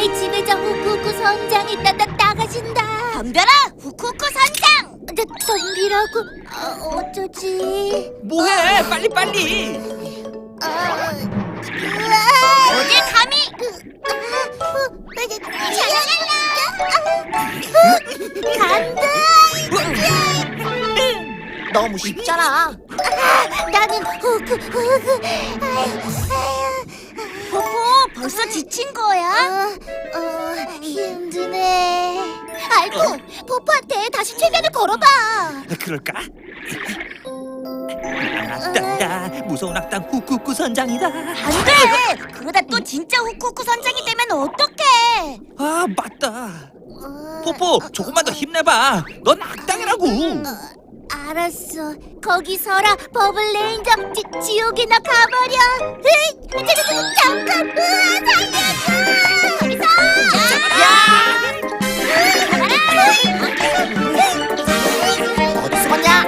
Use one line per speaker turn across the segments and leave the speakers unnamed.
우리 집에 저 후쿠후쿠 선장이 나가신다.
덤벼라 후쿠후쿠 선장!
덤비라고? 어쩌지?
뭐해? 빨리!
어딜 감히!
간다.
너무 쉽잖아.
나는 후쿠후쿠.
포포 벌써 지친 거야?
힘드네. 알고 포포한테 다시 최면을 걸어봐.
그럴까? 악당이다. 무서운 악당 후쿠쿠 선장이다.
안돼! 그러다 또 진짜 후쿠후쿠 선장이 되면 어떡해!
아, 맞다. 포포, 조금만 더 힘내봐. 넌 악당이라고.
알았어. 거기 서라. 버블레인저 지옥이나 가버려. 잠깐. 살려줘. 거기서.
어디 숨었냐?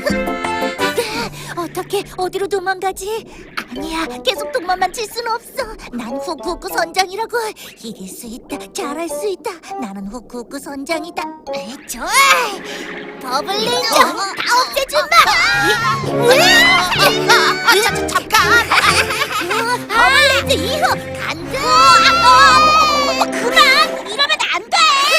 어떻게 어디로 도망가지? 아니야. 계속 도망만 칠 순 없어. 난 후쿠후쿠 선장이라고. 이길 수 있다. 잘할 수 있다. 나는 후쿠후쿠 선장이다. 좋아. 버블레인저 다 없애준다.
잠깐.
버블레인저 2호 간다.
그만! 이러면 안 돼!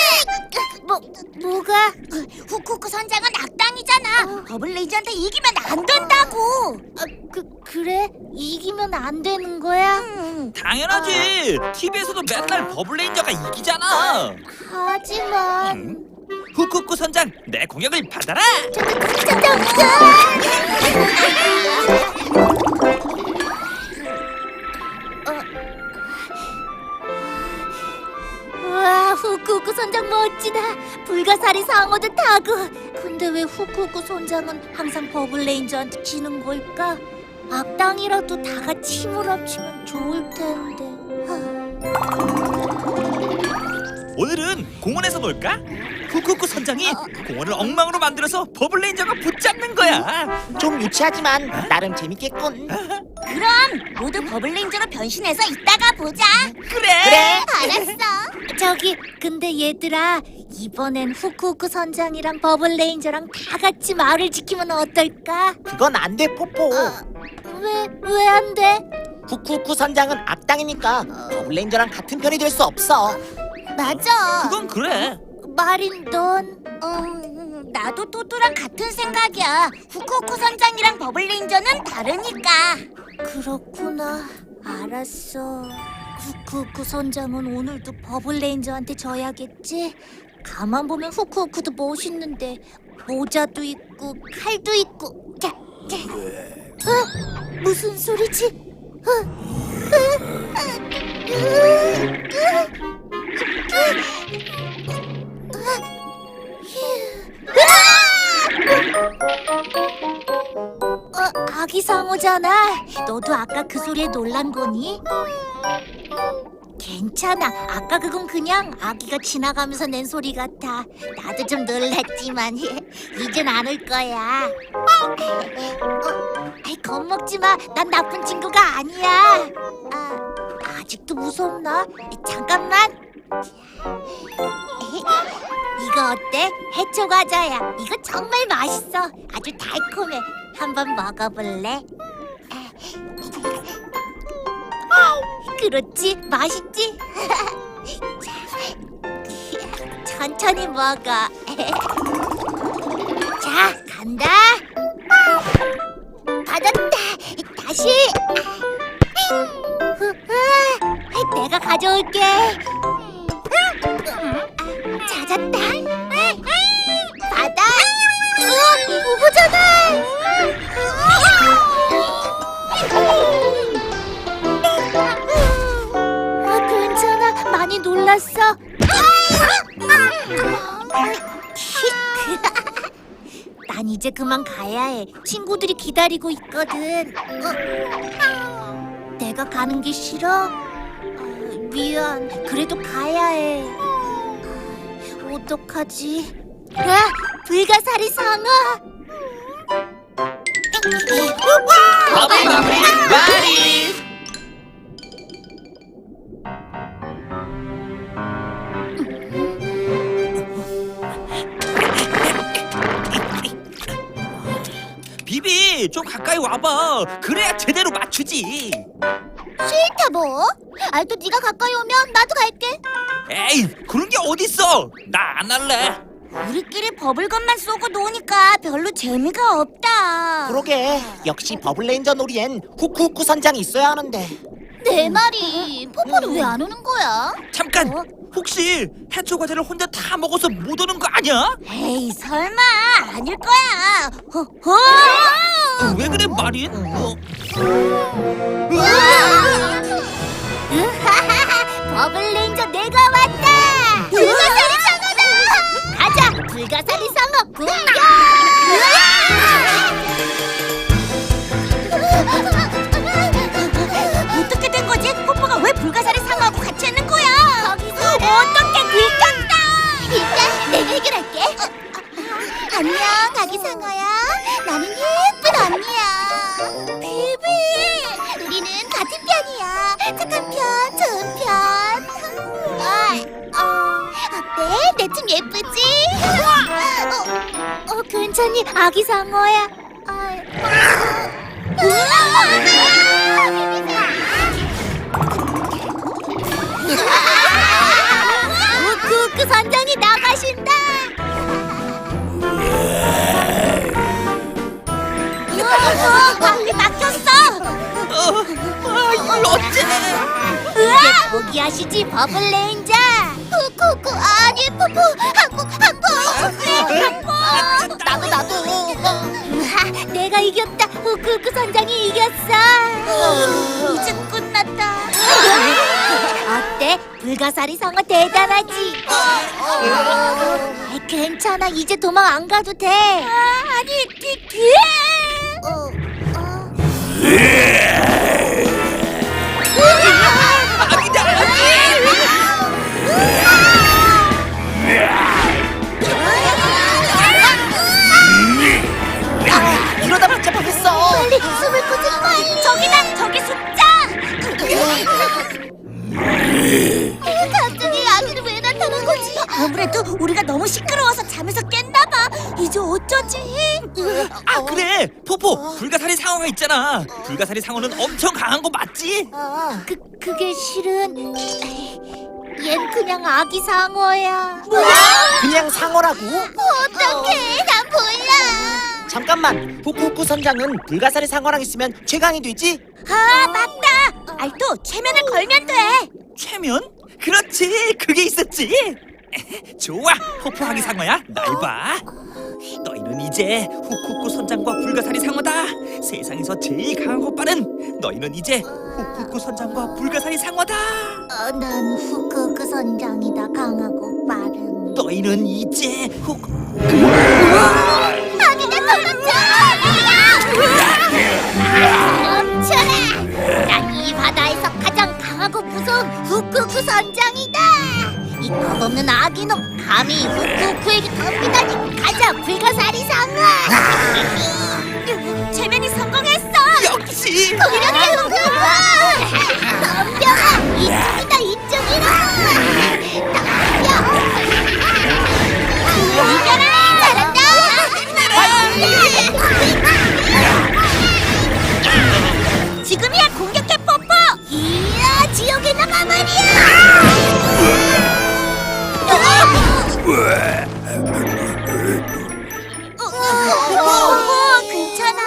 뭐가?
후쿠후쿠 선장은 악당이잖아. 버블레이저한테 이기면 안 된다고.
그래? 이기면 안 되는 거야?
당연하지. TV에서도 맨날 버블레인저가 이기잖아.
하지만
후쿠쿠 선장, 내 공격을 받아라.
와, 후쿠후쿠 선장 멋지다. 불가사리 상어도 타고. 근데 왜 후쿠후쿠 선장은 항상 버블레인저한테 지는 걸까? 악당이라도 다 같이 힘을 합치면 좋을 텐데.
오늘은 공원에서 놀까? 후쿠쿠 선장이 공원을 엉망으로 만들어서 버블레인저가 붙잡는 거야.
좀 유치하지만 나름 재밌겠군.
그럼 모두 버블레인저로 변신해서 이따가 보자.
그래.
알았어. 저기, 근데 얘들아, 이번엔 후쿠후쿠 선장이랑 버블레인저랑 다 같이 마을을 지키면 어떨까?
그건 안 돼, 포포.
왜 안 돼?
후쿠후쿠 선장은 악당이니까 버블레인저랑 같은 편이 될 수 없어.
맞아.
그건 그래.
마린, 넌?
나도 토토랑 같은 생각이야. 후쿠후쿠 선장이랑 버블레인저는 다르니까.
그렇구나. 알았어. 후쿠후쿠 선장은 오늘도 버블레인저한테 져야겠지? 가만 보면 후쿠후쿠도 멋있는데 모자도 있고 칼도 있고. 자. 무슨 소리지? 아기 상어잖아. 너도 아까 그 소리에 놀란 거니? 괜찮아. 아까 그건 그냥 아기가 지나가면서 낸 소리 같아. 나도 좀 놀랐지만 이젠 안 올 거야. 겁먹지 마. 난 나쁜 친구가 아니야. 아직도 무섭나? 잠깐만. 이거 어때? 해초 과자야. 이거 정말 맛있어. 아주 달콤해. 한번 먹어볼래? 그렇지, 맛있지? 자, 천천히 먹어. 자, 간다. 받았다. 다시. 내가 가져올게. 찾았다. 받아. 오잖아. 괜찮아. 많이 놀랐어. 난 이제 그만 가야 해. 친구들이 기다리고 있거든. 내가 가는 게 싫어? 미안. 그래도 가야 해. 어떡하지? 불가사리 상어.
버블버블 마리. 포포씨 좀 가까이 와봐. 그래야 제대로 맞추지.
싫다 뭐? 알도 네가 가까이 오면 나도 갈게.
에이 그런 게 어딨어. 나 안 할래.
우리끼리 버블건만 쏘고 노니까 별로 재미가 없다.
그러게 역시 버블레인저 놀이엔 후쿠후쿠 선장이 있어야 하는데.
내 말이 포포는 왜 안 오는 거야?
잠깐. 혹시 해초 과자를 혼자 다 먹어서 못 오는 거 아니야?
에이 설마 아닐 거야.
왜 그래 마린?
버블레인저 내가 왔다. 불가사리 상어다. 가자 불가사리 상어 공격.
어떻게 된 거지? 포포가 왜 불가사리 상어하고 같이 있는 거야?
거기서
어떻게 들켰다.
일단 내가 해결할게. 안녕 아기 상어야. 나는 예쁜 언니야. 비비. 우리는 같은 편이야. 착한 편, 좋은 편. 어때? 내 춤 예쁘지? 괜찮니 아기 상어야. 후쿠후쿠 선장이 나가신다.
방귀 막혔어.
이걸 어째?
이제 포기하시지 버블레인저. 후쿠후쿠 아니 포포 항복. 나도. 내가 이겼다. 후쿠후쿠 선장이 이겼어.
이제 끝났다.
어때? 불가사리 상어 대단하지? 괜찮아. 이제 도망 안 가도 돼. 아니,
이러다 맞자 뻔했어.
빨리 숨을 고쳐 빨리.
저기다 저기 숨자.
갑자기 아기는 왜 나타난 거지?
아무래도 우리가 너무 시끄러워서 잠에서 깼나 봐. 이제 어쩌지?
아 그래 포포 불가사리 상어가 있잖아. 불가사리 상어는 엄청 강한 거 맞지?
그게 실은 얜 그냥 아기 상어야.
그냥 상어라고?
어떡해? 난 몰라.
잠깐만, 후쿠후쿠 선장은 불가사리 상어랑 있으면 최강이 되지?
아 맞다. 알도 최면을 걸면 돼.
최면? 그렇지 그게 있었지. 좋아 포포하기 상어야 날 봐. 너희는 이제 후쿠쿠 선장과 불가사리 상어다. 세상에서 제일 강한 오빠는 너희는 이제 후쿠쿠 선장과 불가사리 상어다.
난 후쿠후쿠 선장이다. 강하고 빠른.
너희는 이제
아기가 도망쳐! 멈춰라! 난 이 바다에서 가장 강하고 무서운 후쿠후쿠 선장이다! 이 겁없는 아기놈 감히 후쿠후쿠에게 덤비다니. 가자 불가사리 상어!
최면이 성공했어.
역시
그러게 후쿠후쿠! 덤벼라! 이쪽이다 이쪽이라! 덤벼! 이겨라! 잘한다!
지금이야 공격해 포포.
이야 지옥에 나가 말이야!
괜찮아?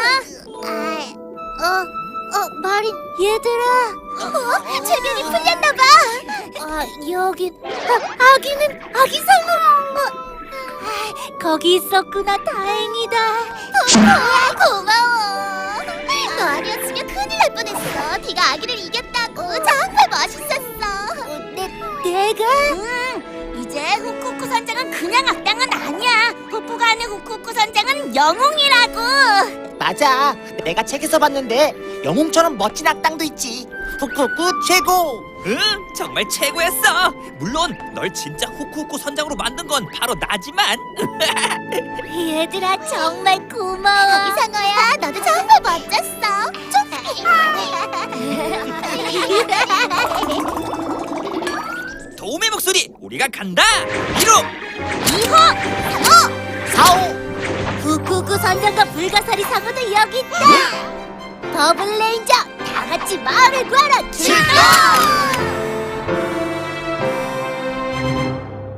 마린 얘들아. 최면이 풀렸나봐. 여기 아기는 아기 상어. 거기 있었구나. 다행이다. 고마워. 너 아니었으면 큰일 날 뻔했어. 네가 아기를 이겼다고. 정말 멋있었어. 내가?
이제 후쿠쿠 선장은 그냥 악당은 아니야. 포포가 하는 후쿠쿠 선장은 영웅이라고.
맞아, 내가 책에서 봤는데 영웅처럼 멋진 악당도 있지. 후쿠후쿠 최고!
응 정말 최고였어. 물론 널 진짜 후쿠후쿠 선장으로 만든 건 바로 나지만.
얘들아 정말 고마워. 이상어야 너도 정말 멋졌어.
도움의 목소리 우리가 간다. 1호
2호
4호
후쿠쿠 선장과 불가사리 상어도 여기 있다. 더블 레인저 다 같이 마을을 구하러 출동!